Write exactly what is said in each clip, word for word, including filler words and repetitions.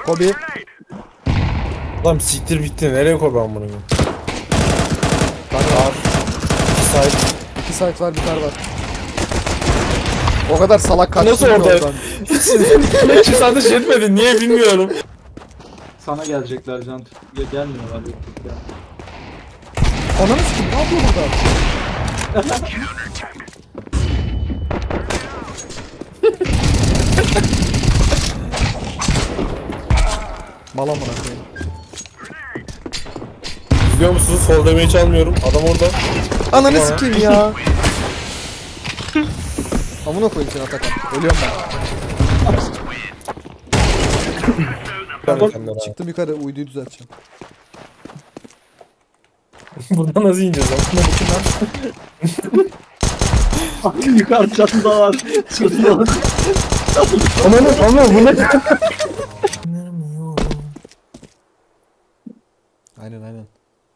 Kobe. Lan siktir bitti. Nereye koy ben bunu? Kanka Var. İki side. iki site var, bir tane var. O kadar salak kaçtın Nasıl ki orada? oradan. Hiç satış etmedi. Niye bilmiyorum. Sana gelecekler Can. Ya gelmiyorlar. Ya. Ananı sikim, ne yapıyor burada? Mal amına koyayım. Biliyor musunuz? Sol demeyi çalmıyorum. Adam orada. Ananı Bana. sikeyim ya. Amına koyayım seni Atakan. Ölüyorum ben. Ben kendine abi. Çıktım yukarı, uyduyu düzelteceğim. Buradan nasıl ineceğiz lan? Şuna bakın lan. Yukarı çatıda var. Çatıda var. Aman aman bu ne? Aynen aynen.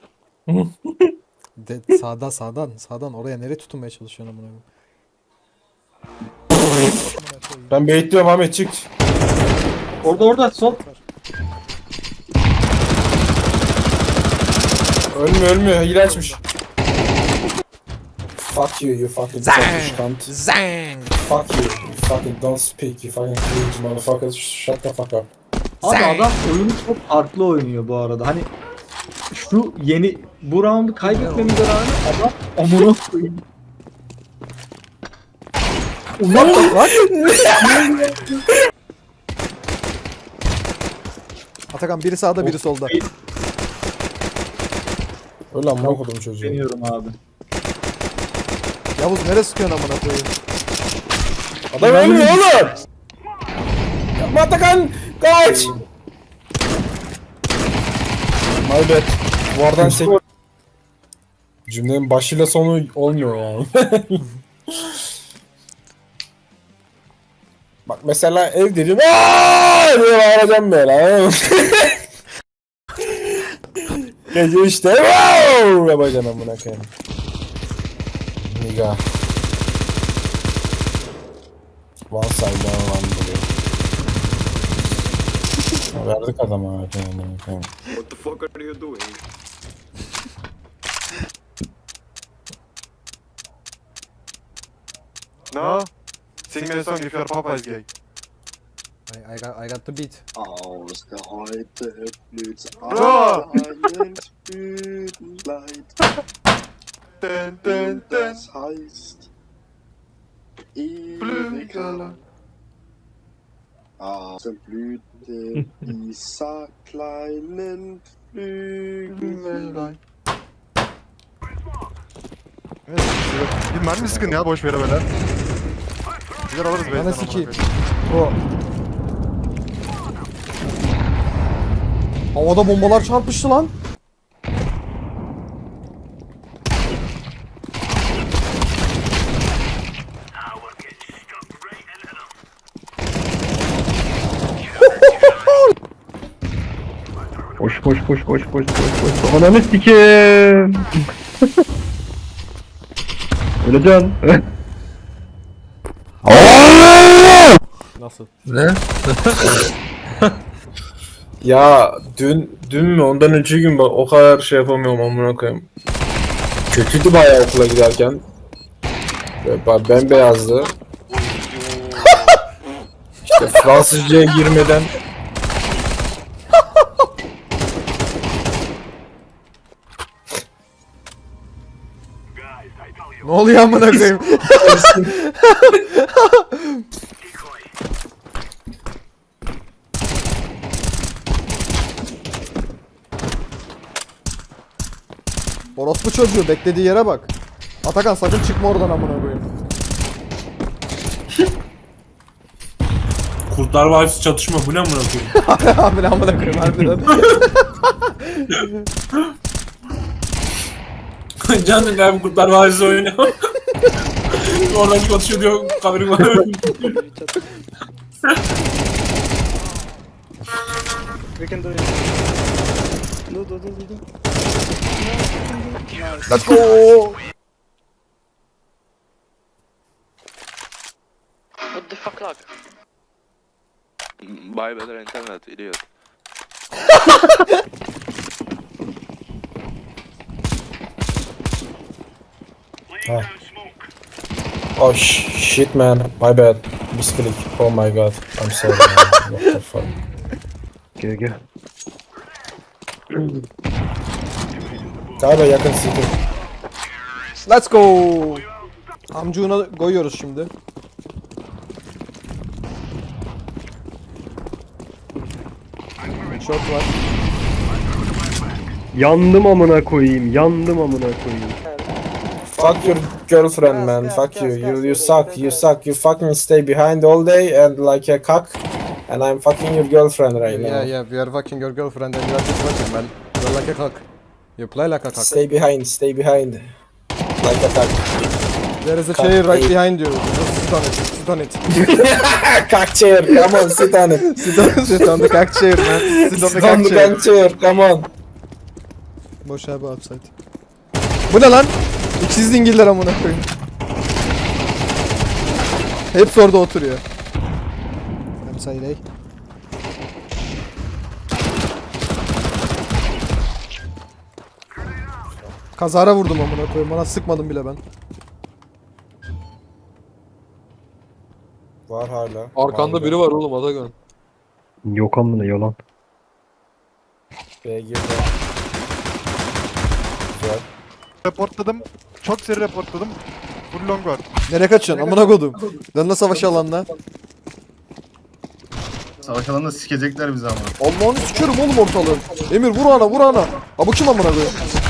De, sağdan sağdan sağdan oraya nereye tutunmaya çalışıyorsun amına koyayım? Ben bekliyorum Ahmet çık. Orada orada sol. Ölmüyor ölmüyor. Hile açmış. Fuck you you fucking selfish cunt. Zang. Fuck you. You fucking don't speak. You fucking cringe motherfucker. Shut the fuck up. Abi adam oyunu çok farklı oynuyor bu arada. Hani şu yeni bu roundu kaybetmemize rağmen adam amına koyayım. What the fuck? Atakan biri sağda biri solda. Öyle amına kodum çocuğu. Deniyorum abi. Yavuz nereye sıkıyorsun amına koyayım? Adam ölmüyor oğlum. Yapma Atakan. Kaç. My bad. Duvardan sek... Cümlenin başıyla sonu olmuyor yani. Bak mesela ev dedim. Aaa diye bağıracağım böyle. Anladın mı? Gece işte. Wow! Yapacaksın amına koyayım. Niga. One side down one buluyor. Verdik adama amına koyayım. What the fuck are you doing? No? Sing me a song if you're Popeye's gay. I, I, got, I got the beat. Aus der Heute blüht's Bro! einen Blütenleid. Dun, dun, dun. Das heißt Blümchen. Erika. Aus der Blüte dieser kleinen Flügel. Evet, bir mermi sıkın ya boş vere böyle. Güzel alırız be. Bana sikeyim. O. Havada bombalar çarpıştı lan. Koş koş koş koş koş koş koş. Ananı sikeyim. Öleceksin. Nasıl? Ne? Ya dün dün mü ondan önceki gün bak o kadar şey yapamıyorum amına koyayım. Kötüydü bayağı okula giderken. Böyle ba- bembeyazdı. İşte Fransızcaya girmeden Ne oluyor amına koyayım? Orospu çocuğu beklediği yere bak. Atakan sakın çıkma oradan amına koyayım. Kurtlar Vadisi çatışma bu ne amına koyayım? Abi ne amına koyayım harbiden. Canım ben Kurtlar Vadisi oynuyor. Oradan konuşuyor diyor kamerim var. We can do it. Do, do, do, do, do. Let's go. What the fuck lag? Buy better internet, idiot. Oh sh shit man, my bad. Misclick. Oh my god. I'm sorry man. What the fuck. Gel gel. Galiba yakın city. Let's go. Amcuğuna koyuyoruz şimdi. Short var. Yandım amına koyayım. Yandım amına koyayım. Fuck your girlfriend man. Fuck you. You you suck. You suck. You fucking stay behind all day and like a cock. And I'm fucking your girlfriend right now. Yeah, yeah, we are fucking your girlfriend and you are just watching, man. You're like a cock. You play like a cock. Stay behind. Stay behind. Like a cock. There is a Cock chair right eight. behind you. Just sit on it, sit on it. Cock chair. Come on, sit on it. Sit on, sit on the cock chair, man. Sit on the Sit on cock the chair. cock chair. Come on. Boş abi upside. Bu ne lan? İkiz dingiller amına koyayım. Hepsi orada oturuyor. Upside hey. Kazara vurdum amına koyayım. Bana sıkmadım bile ben. Var hala. Arkanda biri var oğlum Atakan. Yok amına yalan. B girdi. Güzel. Reportladım. Çok seri reportladım. Full long var. Nereye kaçıyorsun amına kodum? Dön la savaş alanına. Savaş alanında sikecekler bizi ama. Allah'ını sikerim oğlum ortalığı. Emir vur ana vur ana. Ha bu kim amına koyayım?